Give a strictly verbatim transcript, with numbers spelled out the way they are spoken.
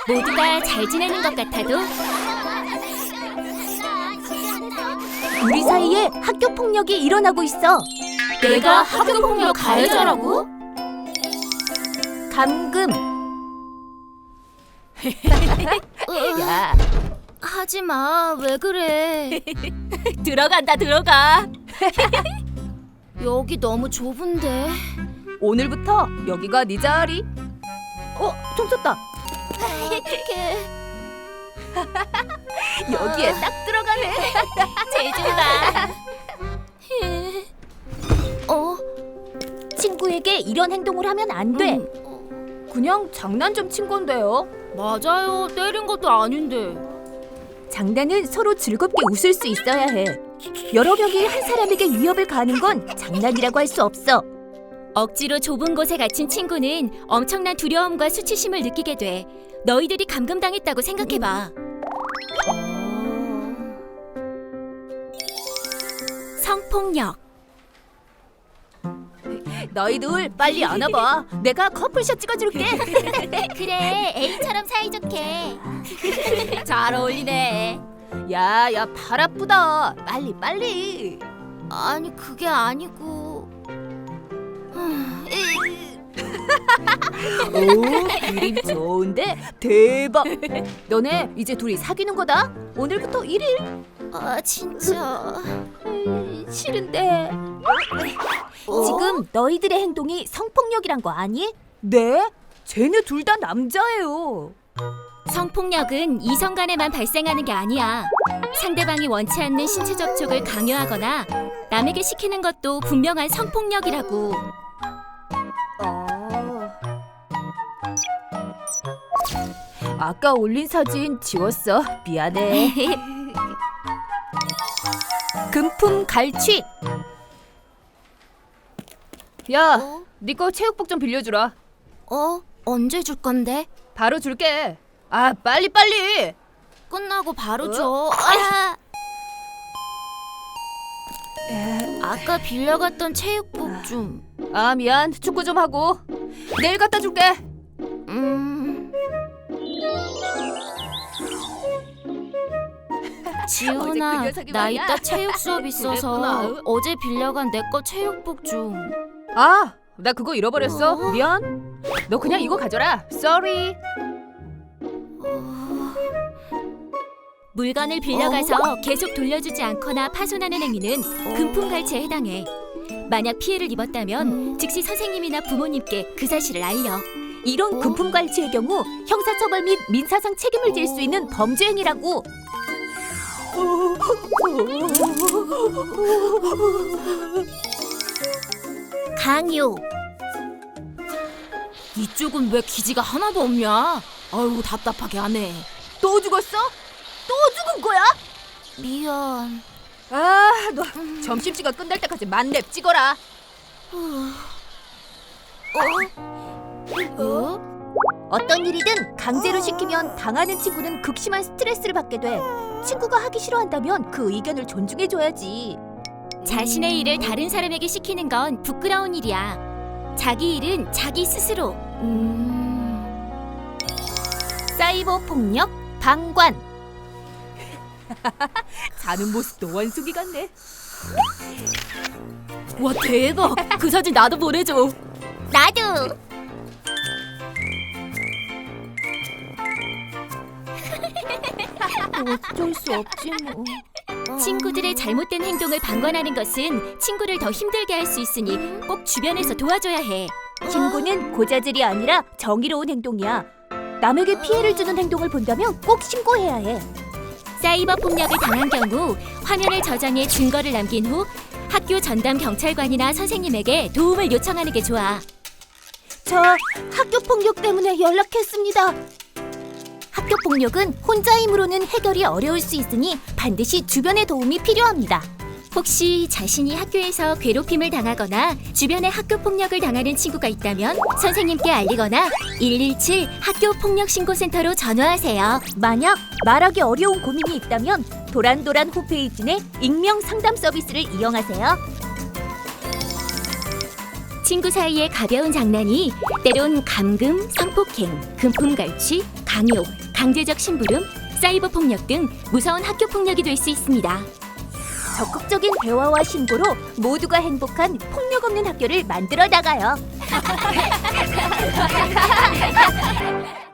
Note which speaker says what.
Speaker 1: 모두가 잘 지내는 것 같아도
Speaker 2: 우리 사이에 학교 폭력이 일어나고 있어.
Speaker 1: 내가 학교 폭력 가해자라고?
Speaker 2: 감금. 야,
Speaker 1: 하지마, 왜 그래?
Speaker 2: 들어간다 들어가.
Speaker 1: 여기 너무 좁은데.
Speaker 2: 오늘부터 여기가 네 자리. 어, 총 쳤다.
Speaker 1: 어떡해.
Speaker 2: 여기에 딱 들어가네.
Speaker 1: 제주가. 어?
Speaker 2: 친구에게 이런 행동을 하면 안 돼.
Speaker 1: 음,
Speaker 2: 그냥 장난 좀 친 건데요.
Speaker 1: 맞아요. 때린 것도 아닌데.
Speaker 2: 장난은 서로 즐겁게 웃을 수 있어야 해. 여러 명이 한 사람에게 위협을 가하는 건 장난이라고 할 수 없어.
Speaker 1: 억지로 좁은 곳에 갇힌 친구는 엄청난 두려움과 수치심을 느끼게 돼. 너희들이 감금당했다고 생각해봐. 성폭력.
Speaker 2: 너희들 빨리 안아봐. 내가 커플샷 찍어줄게.
Speaker 1: 그래, A처럼 사이좋게. 잘 어울리네.
Speaker 2: 야, 야, 발 아프다. 빨리 빨리.
Speaker 1: 아니, 그게 아니고.
Speaker 2: 오, 그림 좋은데 대박. 너네 이제 둘이 사귀는 거다. 오늘부터 일 일.
Speaker 1: 아, 진짜.
Speaker 2: 싫은데.
Speaker 1: 어?
Speaker 2: 지금 너희들의 행동이 성폭력이란 거 아니? 네? 쟤네 둘 다 남자예요.
Speaker 1: 성폭력은 이성 간에만 발생하는 게 아니야. 상대방이 원치 않는 신체 접촉을 강요하거나 남에게 시키는 것도 분명한 성폭력이라고.
Speaker 2: 어. 아까 올린 사진 지웠어. 미안해. 금품 갈취. 야,
Speaker 1: 어?
Speaker 2: 네 거 체육복 좀 빌려주라.
Speaker 1: 어? 언제 줄 건데?
Speaker 2: 바로 줄게. 아, 빨리 빨리.
Speaker 1: 끝나고 바로
Speaker 2: 어?
Speaker 1: 줘. 아! 아까 빌려갔던 체육복 좀.
Speaker 2: 아, 미안. 축구 좀 하고. 내일 갖다 줄게.
Speaker 1: 음. 지훈아,
Speaker 2: 어제 그 녀석이
Speaker 1: 나
Speaker 2: 말이야.
Speaker 1: 이따 체육 수업 있어서
Speaker 2: 그랬구나.
Speaker 1: 어제 빌려간 내 거 체육복 좀.
Speaker 2: 아, 나 그거 잃어버렸어.
Speaker 1: 어?
Speaker 2: 미안. 너 그냥 이거 가져라. Sorry.
Speaker 1: 물건을 빌려가서 계속 돌려주지 않거나 파손하는 행위는 금품 갈취에 해당해. 만약 피해를 입었다면 즉시 선생님이나 부모님께 그 사실을 알려.
Speaker 2: 이런 금품 갈취의 경우 형사처벌 및 민사상 책임을 질 수 있는 범죄 행위라고.
Speaker 1: 강요. 이쪽은 왜 기지가 하나도 없냐? 아유, 답답하게 하네.
Speaker 2: 또 죽었어? 또 죽은 거야?
Speaker 1: 미안.
Speaker 2: 아, 너 점심시간 끝날 때까지 만렙 찍어라.
Speaker 1: 어?
Speaker 2: 어떤 일이든 강제로 시키면 당하는 친구는 극심한 스트레스를 받게 돼. 친구가 하기 싫어한다면 그 의견을 존중해줘야지.
Speaker 1: 자신의 일을 다른 사람에게 시키는 건 부끄러운 일이야. 자기 일은 자기 스스로. 음...
Speaker 2: 사이버 폭력 방관. 자는 모습도 원숭이 같네.
Speaker 1: 와, 대박. 그 사진 나도 보내줘. 나도.
Speaker 2: 어쩔 수 없지 뭐.
Speaker 1: 친구들의 잘못된 행동을 방관하는 것은 친구를 더 힘들게 할 수 있으니 꼭 주변에서 도와줘야 해.
Speaker 2: 친구는 고자질이 아니라 정의로운 행동이야. 남에게 피해를 주는 행동을 본다면 꼭 신고해야 해.
Speaker 1: 사이버 폭력을 당한 경우 화면을 저장해 증거를 남긴 후 학교 전담 경찰관이나 선생님에게 도움을 요청하는 게 좋아.
Speaker 2: 저 학교 폭력 때문에 연락했습니다. 학교 폭력은 혼자 힘으로는 해결이 어려울 수 있으니 반드시 주변의 도움이 필요합니다.
Speaker 1: 혹시 자신이 학교에서 괴롭힘을 당하거나 주변에 학교 폭력을 당하는 친구가 있다면 선생님께 알리거나 일일칠 학교 폭력 신고센터로 전화하세요.
Speaker 2: 만약 말하기 어려운 고민이 있다면 도란도란 홈페이지 내 익명 상담 서비스를 이용하세요.
Speaker 1: 친구 사이의 가벼운 장난이 때론 감금, 성폭행, 금품 갈취, 강요, 강제적 심부름, 사이버 폭력 등 무서운 학교 폭력이 될 수 있습니다.
Speaker 2: 적극적인 대화와 신고로 모두가 행복한 폭력 없는 학교를 만들어 나가요.